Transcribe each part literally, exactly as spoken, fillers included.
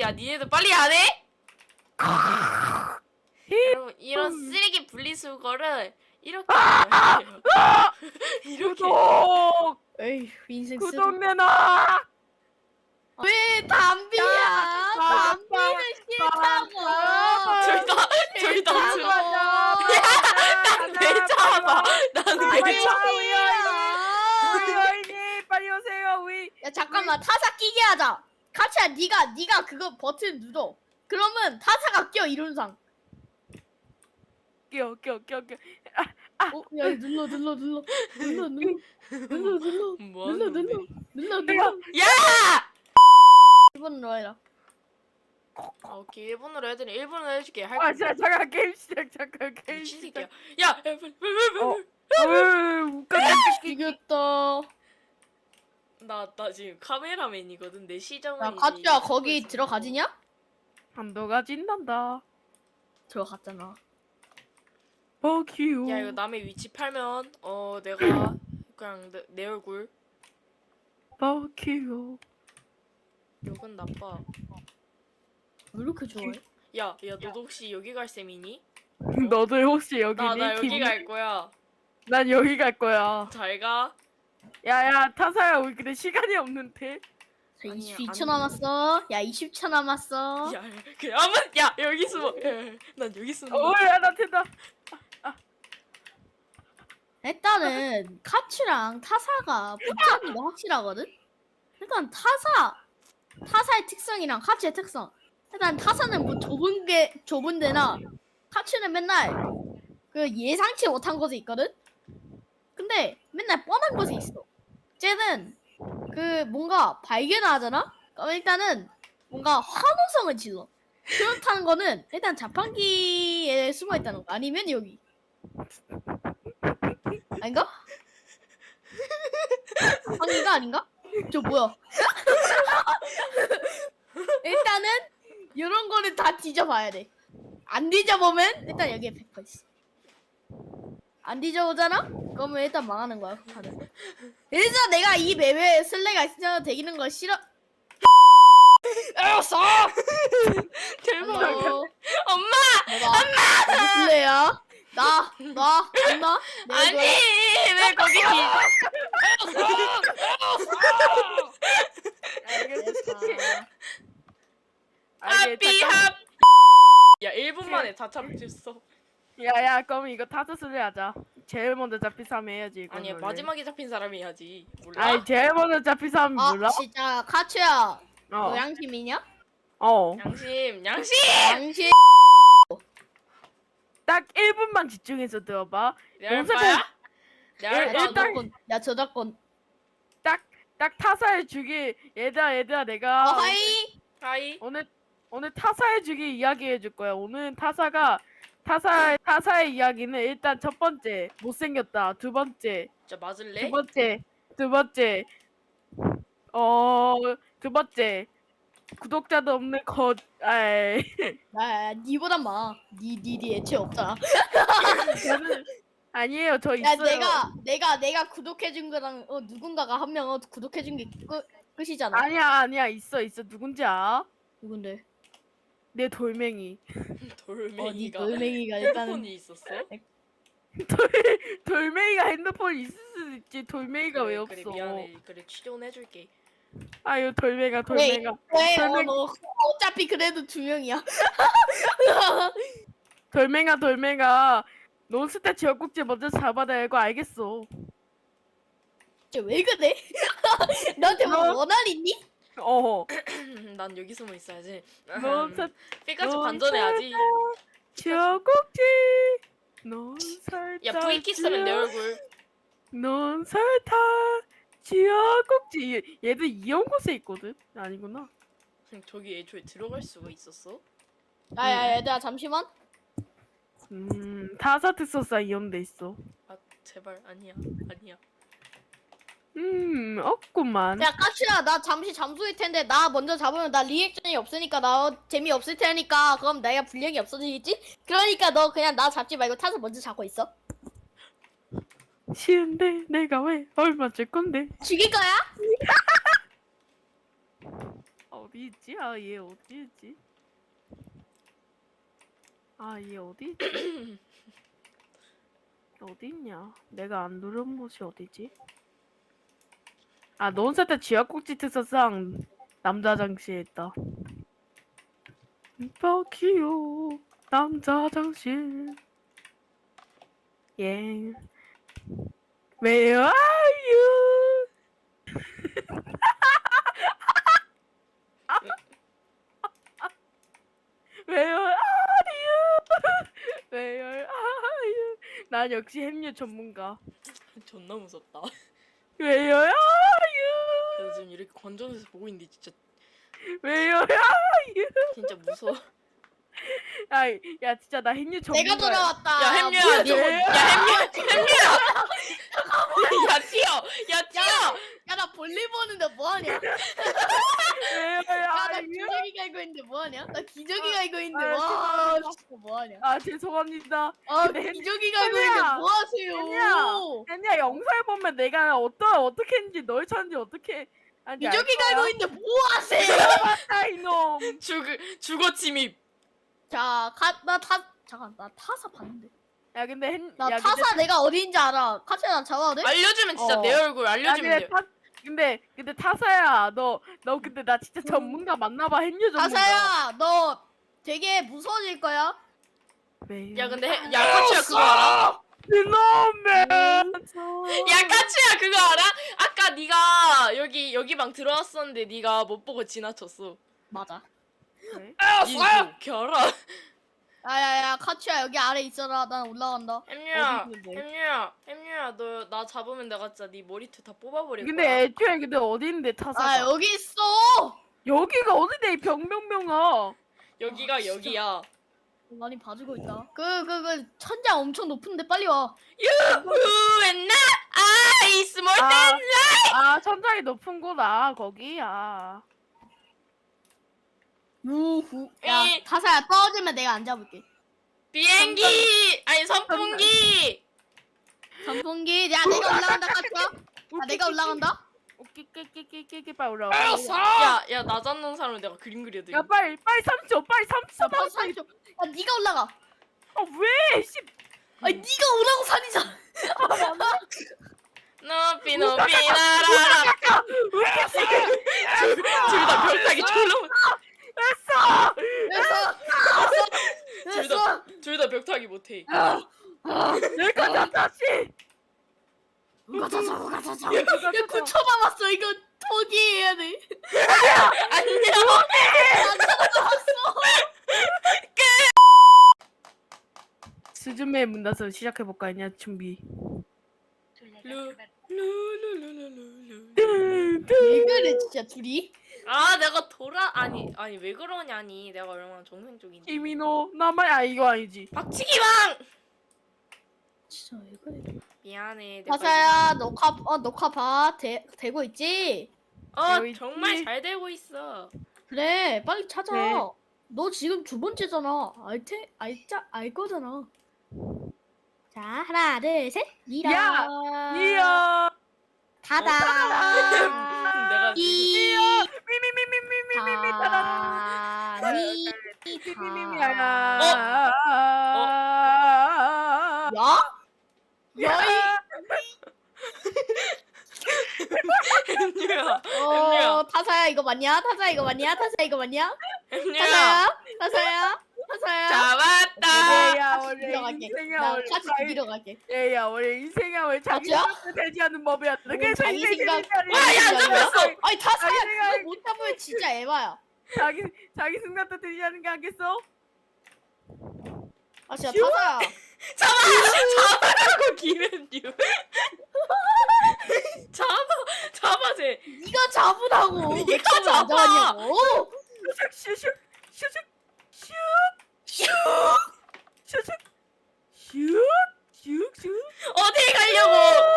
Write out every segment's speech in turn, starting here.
야 니네들 빨리 안 해? 여러분 이런 쓰레기 분리수거를 이렇게 해요. 이렇게 구독! 에이 인생 쓰레기. 구독 내놔! 왜 담비야? 담비는 싫다고. 둘다 둘다 싫다고. 왜 잡아? 나는 왜 빨리 잡아? 와, 우리 우리 야 어인이 빨리 오세요. 우리 잠깐만 타사 끼게 하자. 카치야 네가 네가 그거 버튼 눌러. 그러면 타사가 껴 이론상. 끼어 끼어 끼어 끼어. 어? 야 눌러 눌러 눌러 눌러 눌러 눌러 눌러 뭐 눌러 하는데? 눌러 눌러 눌러. 야! 일 번 눌러라. 아, 오케이 일본어로 해드니 일본어로 해줄게. 할 아 진짜 잠깐 게임 시작. 잠깐 게임 미친 시작. 새끼야. 야! 빨리 빨리 빨리 어. 빨리. 어이 웃겨. 이겼다. 나, 나 지금 카메라맨이거든. 내 시점은 야 이미 카치야 찍고 거기 있어. 들어가지냐? 한도가 진단다. 들어갔잖아. 버큐. 야 이거 남의 위치 팔면 어 내가 그냥 내, 내 얼굴 버큐. 욕은 나빠. 왜 이렇게 좋아해? 야, 야 너도 혹시 여기 갈 셈이니? 너도 혹시 여기니? 나, 나 여기 김- 갈 거야. 난 여기 갈 거야. 잘 가. 야야 타사야 우리 근데 시간이 없는데. 자, 아니야, 이십이 안 초 돼. 남았어. 야 이십 초 남았어. 야, 그 아무 야 여기 숨어. 야, 난 여기 숨어. 어야 나 된다. 일단은 카츠랑 타사가 붙잡는 거 확실하거든? 일단 타사 타사의 특성이랑 카츠의 특성. 일단 타사는 뭐 좁은 게 좁은 데나 카츠는 맨날 그 예상치 못한 곳에 있거든? 근데 맨날 뻔한 곳에 있어. 쟤는 그 뭔가 발견을 하잖아? 그럼 일단은 뭔가 환호성을 질러. 그렇다는 거는 일단 자판기에 숨어 있다는 거 아니면 여기. 아닌가? 자판기가 아닌가? 저 뭐야? 일단은 이런 거는 다 뒤져봐야 돼. 안 뒤져보면 일단 여기에 백 퍼센트 있어. 안 뒤져보잖아? 그러면 일단 망하는 거야. 다들. 그래서 내가 이 맵에 슬래가 있으면 되기는 거 싫어. 알았어. 대박. 어, 엄마. 엄마. 누구 슬래야? 나, 나, 엄마. 아니 왜 거기 기... 하피 합. 야 일 분 만에 다 잡혔어. 야야 그럼 이거 타스를 하자. 제일 먼저 잡힌 사람 해야지 이거. 아니야 마지막에 잡힌 사람이 해야지. 몰라? 아니 제일 먼저 잡힌 사람 아, 몰라? 진짜 카츠야. 너 어. 양심이냐? 어. 양심 양심. 양심. 딱 일 분만 집중해서 들어봐. 내 할 용서해. 거야? 내 할 일- 거야? 일단- 저작권. 야 저작권. 딱 딱 타사해 주기. 얘들아 얘들아 어, 내가 하이. 하이. 오늘 오늘 타사해 주기 이야기해 줄 거야. 오늘 타사가 타사 타사의 이야기는 일단 첫 번째 못생겼다. 두 번째 자 맞을래? 두 번째 두 번째 어 두 번째 구독자도 없는 거 아이 야, 야, 니보단 많아. 니, 니, 니 애체 없잖아. 저는 아니에요. 저 야, 있어요. 내가, 내가, 내가 구독해준 거랑, 어, 누군가가 한 명, 어, 구독해준 게 끝, 끝이잖아. 아니야 아니야 있어 있어 누군지 알아? 누군데? 내 돌멩이 어, 니 돌멩이가 돌멩이가 일단은. 핸드폰이 있었어? 돌 돌멩이가 핸드폰 있을 수도 있지. 돌멩이가 왜 그래, 없어? 그래 미안해. 그래 취존해줄게. 아유 돌멩이가 돌멩이가 왜, 어, 돌멩이. 너, 어차피 그래도 두 명이야. 돌멩아 돌멩아 논스타 지역국지 먼저 잡아야 알고 알겠어. 쟤 왜 그래? 너한테 뭐 너- 원한 있니? 어 난 여기 숨어 있어야지. 논스타 피카츄 넌 반전해야지. 지역국지 논설타 야 V킥 쓰면 내 얼굴. 논설타 지역국지 얘- 얘들 이런 곳에 있거든. 아니구나. 저기 애초에 들어갈 수가 있었어? 야, 야, 얘들아, 잠시만. 음 타사 특성상 이용돼 있어. 아 제발 아니야 아니야. 음 없구만. 야, 까치야, 나 잠시 잠수일 텐데, 나 먼저 잡으면 나 리액션이 없으니까, 나 재미없을 테니까, 그럼 내가 분량이 없어지겠지? 그러니까 너 그냥 나 잡지 말고 타서 먼저 잡고 있어. 쉬운데 내가 왜 얼마 줄 건데? 죽일 거야? 어디 있지? 아, 얘 어디 있지? 아, 얘 어디 있지? 어디 있냐? 내가 안 누른 곳이 어디지? 아, 논세대 쥐약꼭지 특사상 남자 화장실에 있다. 버키요 남자 화장실. 예. Where are you? Where are you? Where are you? 난 역시 햄류 전문가. 존나 무섭다. Where are you? 나 지금 이렇게 관전해서 보고 있는데 진짜 Where are you? 진짜 무서워. 야, 야 진짜 나 햄류 전문가. 내가 돌아왔다. 야 햄류야, 뭐야, 저거, 너. 야 햄류, 햄류야. 야 뛰어, 야 뛰어. 야, 나 볼일 보는데 뭐하냐? Where 야, 나 are you? 기저귀 갈고 있는데 뭐하냐? 나 기저귀 갈고 있는데 아, 와, 죄송합니다. 진짜 뭐하냐? 아 죄송합니다. 아, 근데 기저귀 갈고 햄이야. 있는데 뭐하세요? 햄이야. 아니야 영상을 보면 내가 어떤 어떻게 했는지 널 찾는지 어떻게 아니 기저귀 갈고 있는데 뭐하세요? 아 이놈. 죽 죽어 침입. 자, 가, 나 타, 잠깐, 나 타사 봤는데. 야 근데 햄. 나 야, 타사 근데, 내가 어디인지 알아. 카츠야, 나 잡아도 돼? 알려주면 진짜 어. 내 얼굴 야 알려주면 근데 돼. 타 근데 근데 타사야 너 너 근데 나 진짜 전문가 맞나봐 햄류 전문가. 타사야, 너 되게 무서워질 거야. 왜? 야 근데 해, 야 카츠야 그거 알아? 이놈의. 야 카츠야 그거 알아? 아까 네가 여기 여기 방 들어왔었는데 네가 못 보고 지나쳤어. 맞아. 왜? 이거 겨라. 야야야, 카츠야 여기 아래 있어라. 난 올라간다. 햄류야, 어디 있는데? 햄류야, 햄류야, 너 나 잡으면 내가 진짜 네 머리털 다 뽑아버릴 근데 거야. 애초에 근데 어디 있는데 타사가? 아 여기 있어. 여기가 어디데 이 병명명아. 여기가 아, 진짜. 여기야. 많이 봐주고 있다. 그 그 그 천장 엄청 높은데 빨리 와. You and not I small 아, than 아 천장이 높은구나 거기야. 우후. 야 이- 타사야 떨어지면 내가 안 잡을게. 비행기 아니 선풍기. 선풍기. 야 내가 올라간다 카츠야. 야 내가 올라간다. 끼끼끼끼끼끼 빨리 올라와. 야, 야, 나 잡는 사람을 내가 그림 그려도. 야 빨리 빨리 삼 초 빨리 삼 초. 야 빨리 살려. 야 네가 올라가. 아 왜? 씨. 아니 네가 오라고 산이잖아. 높이 높이 날아라. 둘다 별따기 졸라. 됐어. 됐어. 됐어. 됐어. 둘다 벽타기 못해. 내가 다 다시. 누가 다 잡아, 누가 다 잡아. 야, 야 구 초 남았어. 이거 포기해야 돼. 안녕. 안 잡았어. 스즈메 문 닫아서 시작해 볼까 했냐 준비. 루, 루루루루루루. 왜 그래 진짜 둘이? 아, 내가 돌아 아니 아니 왜 그러냐니. 내가 얼마나 정상 쪽인데. 이민호 나만 아 이거 아니지. 박치기왕. 진짜 왜 그래? 미안해. 내가 마사야 녹화 어 녹화 봐 되, 되고 있지? 어 되고 있지? 정말 잘 되고 있어. 그래 빨리 찾아. 네. 너 지금 두 번째잖아. 알테 알자 알 거잖아. 자 하나 둘 셋. 미라. 야, 이야. 다다. 내가 이. 미미미미미미미미 다. 미. 미미미미야. 야? 야이. 햄류야. 어 타사야 이거 맞냐? 타사야 이거 맞냐? 타사야 이거 맞냐? 햄류야. 타사야? 타사야? 타사야? 잡았다. 얘야 같이 원래 밀어갈게. 인생이야 나 원래 같이 밀어 갈게. 얘야 원래 인생이야 원래 자기 맞아? 생각을 대지하는 법이야. 그래서 자기 인생이 생각- 인생이 와, 야, 인생이야. 잡혔어. 아니 타사야 자기 생각- 그거 못 잡으면 진짜 에바야. 자기 자기 생각도 대지하는 게 하겠어? 아 진짜 타사야. 잡아! 잡아라고 김현유. 잡아, 잡아 쟤. 네가 잡으라고. 왜 네가 처음에 안 잡아. 잡았냐고. 슉슉슉 슉슉 슉슉 슉슉 슉슉슉 어디 가려고?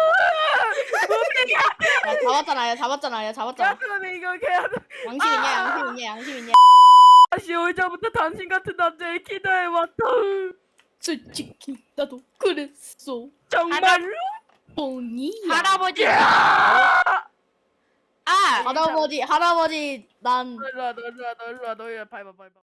야 잡았잖아. 야 잡았잖아. 야 잡았잖아. 야 그러면 이거 해야 돼. 양심 있냐? 양심 있냐? 양심 있냐? 다시 오자부터 당신 같은 남자에 기도해왔다. 솔직히 나도 그랬어. 정말로? 뽕이야. 할아버지. 야! 아, 할아버지 할아버지 난 너 일로 와, 너 일로 와, 너 일로 와, 너 일로 와, 밟아, 밟아.